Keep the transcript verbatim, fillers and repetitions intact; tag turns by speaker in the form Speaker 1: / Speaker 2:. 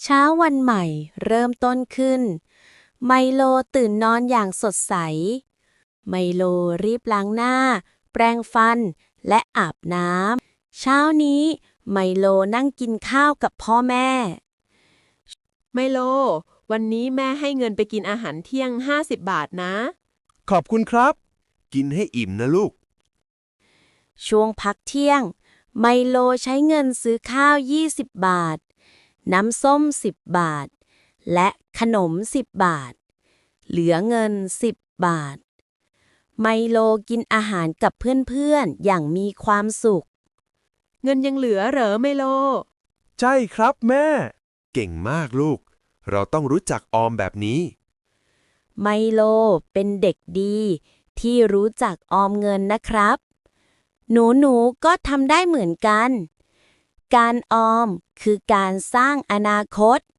Speaker 1: เช้าวันใหม่เริ่มต้นขึ้น ไมโลตื่นนอนอย่างสดใส ไมโลรีบล้างหน้า แปรงฟัน และอาบน้ำ เช้านี้ไมโลนั่งกินข้าวกับพ่อแม่
Speaker 2: ไมโล วันนี้แม่ให้เงินไปกินอาหารเที่ยงห้าสิบบาทนะ
Speaker 3: ขอบคุณครับ กินให้อิ่มนะลูก
Speaker 1: ช่วงพักเที่ยง ไมโลใช้เงินซื้อข้าว ยี่สิบ บาท น้ำส้ม สิบ บาท และขนม สิบ บาท เหลือเงิน สิบ บาท ไมโลกินอาหารกับเพื่อนๆ อย่างมีความสุข
Speaker 2: เงินยังเหลือเหรอไมโล
Speaker 3: ใช่ครับแม่ เก่งมากลูก เราต้องรู้จักออมแบบนี้
Speaker 1: ไมโลเป็นเด็กดีที่รู้จักออมเงินนะครับ หนูๆ ก็ทำได้เหมือนกัน การออมคือการสร้างอนาคต